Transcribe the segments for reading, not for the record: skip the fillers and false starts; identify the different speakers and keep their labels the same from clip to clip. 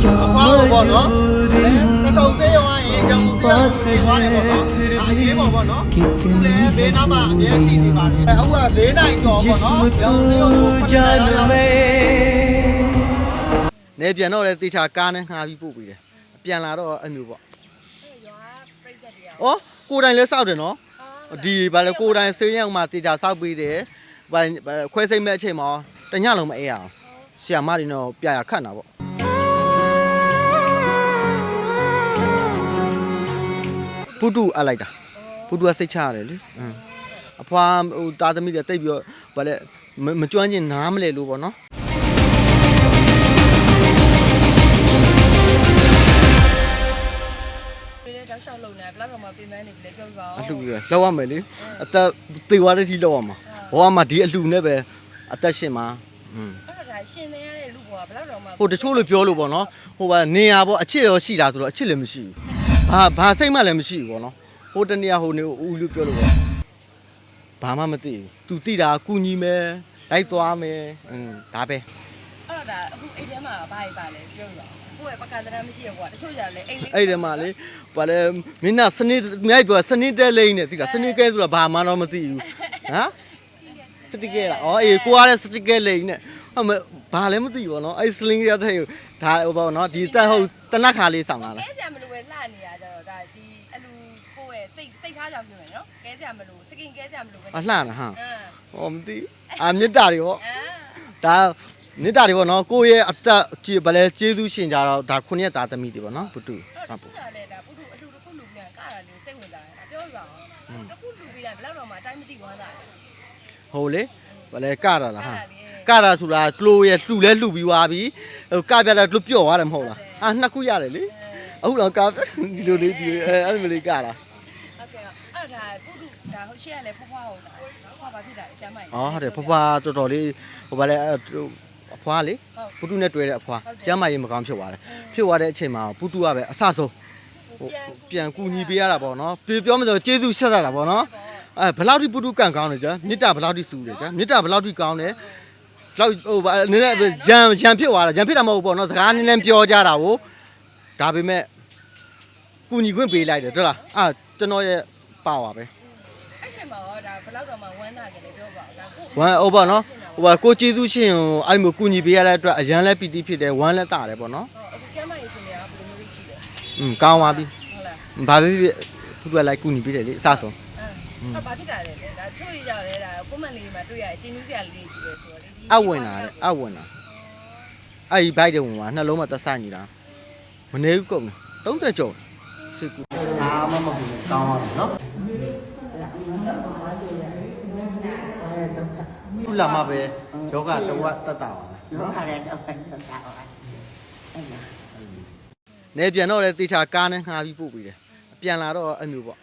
Speaker 1: ဘောပေါ့နော်တော်စေးရောရင်ကြောင်စေးသွားတယ်ပေါ့နော်အရေးပေါ့နော်သူလည်းဘေးနားမှာအမြဲရှိနေပါတယ်အခုက၄နိုင်ကျော်ပေါ့နော်ကြောင်စေးရောနေပြန်တော့လေတေချာကားနဲ့ငှားပြီးပို့ပေးတယ်ပြန်လာတော့အဲ့မျိုးပေါ့ဩကိုတိုင်လဲစောက်တယ်နော်ဒီဘာလဲကိုတိုင်စေးရောက်မှတေချာစောက်ပေးတယ်ဘာခွဲစိတ်မဲ့အချိန်မှာတညလုံးမအေးအောင်ဆရာမတွေတော့ပြရခတ်တာပေါ့ပုတုအလိုက်တာပုတုကစိတ်ချရတယ်လေအဖွာဟိုတာသမီးတွေတိတ်ပြီးတော့ဘာလဲမကျွမ်းကျင်နားမလဲလို့ပေါ့နော်
Speaker 2: တောက်လျှောက်လုံနေဘလောက်တော့မှပြင်ပန်းနေပြီလေပြောပြပါဦး
Speaker 1: အလှပဲလောက်ရမယ်လေအသက်သေသွားတဲ့ထိလောက်ရမှာဘောကမှဒီအလှနဲ့ပဲအသက်ရှင်မှာ
Speaker 2: အဲ့ဒါရှင်နေရတဲ့လူဘောကဘလောက်တော့မှ
Speaker 1: ဟိုတချို့လိုပြောလို့ပေါ့နော်ဟိုကနေရပေါ့အချစ်ရောရှိတာဆိုတော့အချစ်လည်းမရှိဘူးဘာစိတ်မှလည်းမရှိဘူးပေါ့နော်ဟိုတနေ့ဟိုနေဦးလူပြောလို့ပေါ့ဘာမှမသိဘူးသူသိတာကူညီမယ်လိုက်သွားမယ်ဒါပဲ
Speaker 2: အဲ့ဒါအခုအိမ်ထဲမှာဘာကြီးပါလဲပြောပြပါကိုယ့်ရဲ့ပကံတရမရှိရကွာတချို့ကြလဲအိမ်လေး
Speaker 1: အဲ့ဒီမှာလေဘာလဲမင်းကစနစ်မြိုက်ပြောစနစ်တဲလိမ့်နေသိလားစနစ်ကဲဆိုတာဘာမှတော့မသိဘူးဟမ်စတိကဲလားအော်အေးကိုရတဲ့စတိကဲလိမ့်နေဘာလည်းမသိဘူးဗောနော်အဲ့စလင်းရတဲ့ဒါဟိုဗောနော်ဒီတက်ဟုတ်တနက်ခါလေးဆောင်လာလား
Speaker 2: ကဲကြမလို့ပဲလှနေရကြတော့ဒါဒီအလူကိုယ့်ရဲ့စိတ်ထားကြောင်ပြင်မယ်နော်ကဲကြမလို့စကင်ကဲကြမလို့ပဲ
Speaker 1: လှတာဟာဟောမသိမေတ္တာတွေဗောဒါမေတ္တာတွေဗောနော်ကိုယ့်ရဲ့အသက်ဘာလဲကျေးဇူးရှင်ကြတော့ဒါ9ရက်သားသမီးတွေဗောနော်ပုတု
Speaker 2: ဟုတ်ပုဒါလည်းဒါပုတုအလူတစ်ခုလူပြန်ကတာလေးစိတ်ဝင်စားတယ်ပြောပြပါအောင်တစ်ခုလူပြီးတိုင်းဘယ်တော့မှအတိုင်းမသိဝမ်းသာတယ်
Speaker 1: ဟိုလေဘာလဲကတာလားဟာကတာဆိုတာကလိုရဲ့လှူလဲလှူပြီးသွားပြီဟိုကပြတာလှူပြော့သွားတယ်မဟုတ်လားနှစ်ခုရတယ်လေအခုတော့ကဒီလိုလေးဒီအဲ့လိုလေးကတာ
Speaker 2: ဟုတ်ကဲ့အဲ့ဒါပုတုဒါဟုတ်ရှေ့ကလည်းဖွားဖွားဟုတ်လားဖွားပါဖြစ်တာအကျမ်းမိုက်
Speaker 1: ဟုတ်တယ်ဖွားဖွားတော်တော်လေးဟိုဘာလဲအဖွားလေပုတုနဲ့တွေ့တဲ့အဖွားကျမ်းမာရေးမကောင်းဖြစ်သွားတယ်ဖြစ်သွားတဲ့အချိန်မှာပုတုကပဲအဆဆုံးဟိုပြန်ကူညီပေးရတာပေါ့နော်ပြောမလို့ကျေးဇူးဆက်ရတာပေါ့နော်ဘယ်လောက်ထိပုတုကန်ကောင်းလဲကြာမေတ္တာဘယ်လောက်ထိစူးတယ်ကြာမေတ္တာဘယ်လောက်ထိကောင်းလဲလောက်ဟိုနည်းနည်းရံဖြစ်သွားတာရံဖြစ်တာမဟုတ်ဘူးပေါ့နော်စကားနည်းနည်းပြောကြတာကိုဒါပေမဲ့ကူညီခွင့်ပေးလိုက်တယ်ဟုတ်လားကျွန်တော်ရဲ့ပါပါပဲ
Speaker 2: အဲ့ချိန်မှာတော့ဒါဘယ်လောက်တော့မှဝမ်းသာကြတယ်ပြောပါဦးဒါကို
Speaker 1: ဝမ်းဟုတ်ပါနော်ဟိုပါကိုကျေးဇူးရှင်အဲ့လိုကူညီပေးရတဲ့အတွက်အရန်လဲပီတိဖြစ်တယ်ဝမ်းလဲတာတယ်ပေါ့နော်
Speaker 2: အခုကျမ်းမာရေးစင်တွေကဘယ်လိုမျိုးရှိလဲ
Speaker 1: ကောင်းပါပြီဟုတ်လားဘာဖြစ်သူကလိုက်ကူညီပေးတယ်လေအစဆုံး
Speaker 2: ဘာဖြစ်တာလဲဒါချို့ရရတယ်ဒါကွန်မန့်လေးမှာတွေ့ရအချင်းကြီးစရာလေးကြီးပဲဆိုတော့လေ
Speaker 1: အဝင်လာတယ်အဝင်လာအဲ့ဒီဘိုက်တုံးမှာနှလုံးမှာသက်ဆိုင်နေတာမနေဘူးကုန်30ကျော်စစ်ကူအားမမကူကောင်းပါဘူးနော်ခုလာမှာပဲယောဂတဝတ်တတ်တာပါ
Speaker 3: ယောဂလည်းတော့တတ်တာပါ
Speaker 1: နေပြန်တော့လေတေချာကားနဲ့ငှားပြီးပို့ပေးတယ်ပြန်လာတော့အဲ့မျိုးပေါ့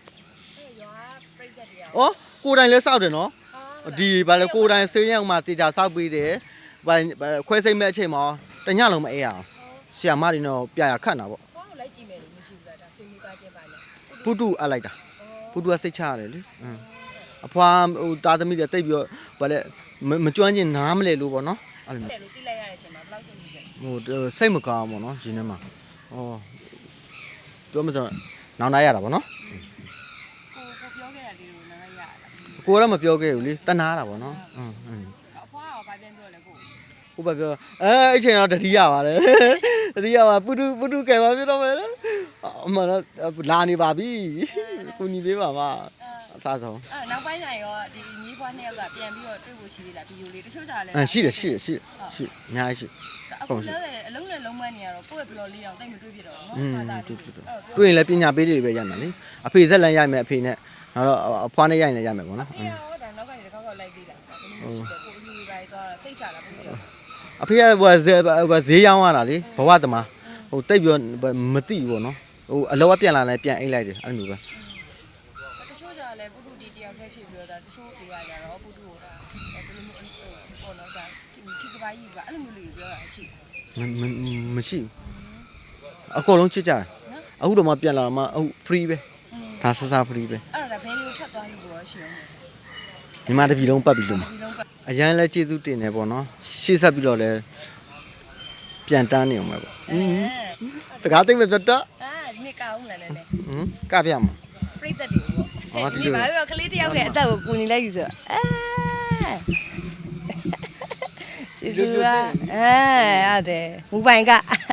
Speaker 1: ဩကိုတိုင်လဲစောက်တယ်နော်ဒီဘာလဲကိုတိုင်စေးရောက်မှတေချာစောက်ပေးတယ်ဘာခွဲစိတ်မဲ့အချိန်မှာတညလုံးမအေးအောင်ဆရာမတွေတော့ပြရခတ်တာပေါ့
Speaker 2: ဟောလိုက်ကြည့်မယ်လို့မရှိဘူးလားဒါဆွေးနွေးသွားခြင်းပါလေ
Speaker 1: ပုတုအလိုက်တာပုတုကစိတ်ချရတယ်လေအဖွာဟိုတာသမီးတွေတိတ်ပြီးတော့ဘာလဲမကျွမ်းကျင်နားမလဲလို့ပေါ့နော်
Speaker 2: အဲ့လိုလို့တိလိုက်ရတဲ့အချိန်မှာဘယ်လောက်စိတ်ကြီးလဲ
Speaker 1: ဟိုစိတ်မကောင်းပေါ့နော်ရှင်ထဲမှာဩပြောမစမ်းနောင်နာရတာပေါ့နော်
Speaker 2: ကိုပြောခဲ့တာလေးကိုနားရရတာ
Speaker 1: ကိုတော့မပြောခဲ့ဘူးလေတနာတာပေါ့နော်
Speaker 2: အဖွားကဘာပြန်ပြောလဲကို
Speaker 1: ဟိုဘာပြောအဲ့ချိန်တော့တတိယပါလေတတိယပါပုတုကဲပါပြတော့မယ်လေအမှန်တော့လာနေပါပြီကိုညီလေးပါပါအစားဆုံး
Speaker 2: နောက်ပိုင်းကျရင်ရောဒီညီးဖွားနှစ်ယောက်ကပြန်ပြီးတော့တွေ့ဖို့ရှိသေးလားဗီဒီယိုလေးတချို့ကြလဲ
Speaker 1: ရှိတယ်အများကြီးရှိ
Speaker 2: အခုလည်းအလုံးနဲ့လုံးမနေရတော့ကိုယ့်ရဲ့ဘလော့လေးတောင်တိတ်မတွေးပြတော့နော်
Speaker 1: ဟာတာတွေ့ရင်လည်းပညာပေးတွေပဲရမှာလေအဖေဇက်လန်ရိုက်မယ်အဖေနဲ့နောက်တော့အဖွားနဲ့ရိုက်နေရမယ်ပေါ့နော်
Speaker 2: အဖေရောဒါနောက်ကနေတစ်ခေါက်လိုက်သေးတာဘယ်လိုရှိလဲကိုအလူတွေပိုင်းသွားစိတ်ချတာဘယ်လို
Speaker 1: အဖေကဈေးရောင်းရတာလေဘဝတမဟိုတိတ်ပြောမသိဘူးပေါ့နော်ဟိုအလောကပြန်လာလဲပြန်အိတ်လိုက်တယ်အဲ့လိုပဲ
Speaker 2: တချို့ကြလဲပုထုတီတယောက်ပဲဖြစ်ပြီးတော့ဒါတချို့တွေရကြတော့ပုထုဟိုဒါဘယ်လိုမျိုးပေါ့နော်ဒါထိကပိုင်းကြီးကအဲ့လိုမျိုးလေးပြောတာရှိ
Speaker 1: မရှိဘူးအကုန်လုံးချစ်ကြတယ်အခုတော့မှပြန်လာမှအခု free ပဲဒါစစ free ပဲ
Speaker 2: အဲ့ဒါဘယ်လိုထပ်သွားလို့ရောရှိအောင်
Speaker 1: ညီမတပြီလုံးပတ်ပြီလို့အရန်လဲကျေးဇူးတင်တယ်ပေါ့နော်ရှေ့ဆက်ပြီးတော့လဲပြပြန်တန်းနေအောင်ပဲပေါ့စကားသိမပြတ်တော့
Speaker 2: အာဒီနေ့ကောင်းလာတယ်လေ
Speaker 1: ကပြမှာ
Speaker 2: ပြိတ္တတွေပေါ့ဒီနေ့ဘာပဲကလေးတယောက်ရဲ့အသက်ကိုကူညီလိုက်ယူဆိုစီစီကရတယ်မူပိုင်က